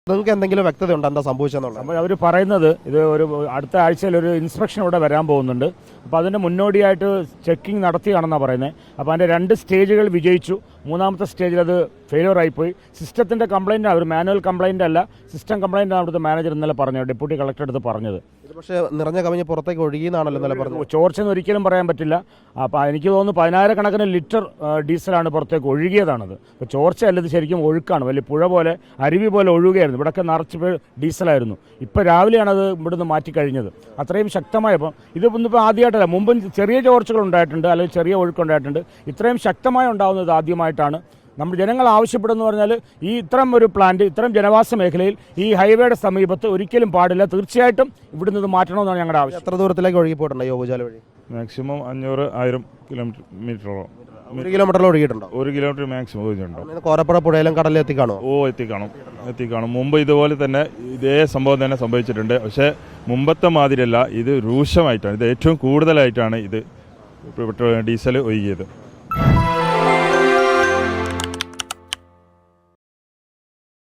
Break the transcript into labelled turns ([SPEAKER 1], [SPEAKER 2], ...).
[SPEAKER 1] നിങ്ങൾക്ക് എന്തെങ്കിലും വ്യക്തത ഉണ്ടോ എന്താ സംഭവിച്ചെന്നുള്ളത്?
[SPEAKER 2] അവർ പറയുന്നത് ഇത് ഒരു അടുത്ത ആഴ്ചയിൽ ഒരു ഇൻസ്പെക്ഷൻ ഇവിടെ വരാൻ പോകുന്നുണ്ട്. അപ്പോൾ അതിൻ്റെ മുന്നോടിയായിട്ട് ചെക്കിംഗ് നടത്തിയാണെന്നാണ് പറയുന്നത്. അപ്പോൾ അതിൻ്റെ 2 സ്റ്റേജുകൾ വിജയിച്ചു. 3ാമത്തെ സ്റ്റേജിൽ അത് ഫെയിലിയർ ആയിപ്പോയി. സിസ്റ്റത്തിൻ്റെ കംപ്ലയിൻ്റ് ഒരു മാനുവൽ കംപ്ലയിൻ്റ് അല്ല, സിസ്റ്റം കംപ്ലയിൻ്റ് ആണ് അവിടുത്തെ മാനേജർ ഇന്നലെ പറഞ്ഞത്, ഡെപ്യൂട്ടി കളക്ടർ അടുത്ത് പറഞ്ഞത്.
[SPEAKER 1] ഇത് പക്ഷേ നിറഞ്ഞ കവിഞ്ഞ് പുറത്തേക്ക് ഒഴുകിയെന്നാണല്ലോ ഇന്നലെ പറഞ്ഞത്.
[SPEAKER 2] ചോർച്ചയെന്ന് ഒരിക്കലും പറയാൻ പറ്റില്ല. അപ്പോൾ എനിക്ക് തോന്നുന്നു 10,000-കണക്കിന് ലിറ്റർ ഡീസലാണ് പുറത്തേക്ക് ഒഴുകിയതാണത്. അപ്പോൾ ചോർച്ചയല്ല, ഇത് ശരിക്കും ഒഴുക്കാണ്. വലിയ പുഴ പോലെ അരുവി പോലെ ഒഴുകുകയായിരുന്നു. ഇവിടെയൊക്കെ നിറച്ച് ഡീസലായിരുന്നു. ഇപ്പോൾ രാവിലെയാണ് അത് ഇവിടുന്ന് മാറ്റിക്കഴിഞ്ഞത്. അത്രയും ശക്തമായപ്പോൾ ഇത് ഇന്നിപ്പോൾ ആദ്യമായിട്ടല്ല, മുമ്പും ചെറിയ ചോർച്ചകൾ ഉണ്ടായിട്ടുണ്ട്, അല്ലെങ്കിൽ ചെറിയ ഒഴുക്കുണ്ടായിട്ടുണ്ട്. ഇത്രയും ശക്തമായി ഉണ്ടാകുന്നത് ആദ്യമായിട്ടാണ്. നമ്മൾ ജനങ്ങൾ ആവശ്യപ്പെടുന്നു പറഞ്ഞാൽ ഈ ഇത്തരം ഒരു പ്ലാന്റ് ഇത്തരം ജനവാസ മേഖലയിൽ ഈ ഹൈവേയുടെ സമീപത്ത് ഒരിക്കലും പാടില്ല. തീർച്ചയായിട്ടും ഇവിടുന്ന് ഇത് മാറ്റണമെന്നാണ് ഞങ്ങളുടെ ആവശ്യം.
[SPEAKER 1] എത്ര ദൂരത്തിലേക്ക് ഒഴുകി പോയിട്ടുണ്ടോ ഈ ഓവുചാൽ വഴി?
[SPEAKER 3] മാക്സിമം 500-1000 കിലോമീറ്ററോളം.
[SPEAKER 1] 1 കിലോമീറ്ററിൽ ഒഴുകിയിട്ടുണ്ടോ?
[SPEAKER 3] 1 കിലോമീറ്റർ മാക്സിമം ഒഴുകിയിട്ടുണ്ടോ?
[SPEAKER 1] കോരപ്പുഴ പുഴയിലും കടലിൽ എത്തിക്കാണോ?
[SPEAKER 3] എത്തിക്കാണും. മുമ്പ് ഇതുപോലെ തന്നെ ഇതേ സംഭവം തന്നെ സംഭവിച്ചിട്ടുണ്ട്. പക്ഷേ മുമ്പത്തെ മാതിരിയല്ല, ഇത് രൂക്ഷമായിട്ടാണ്, ഇത് ഏറ്റവും കൂടുതലായിട്ടാണ് ഇത് ഡീസൽ ഒഴുകിയത്.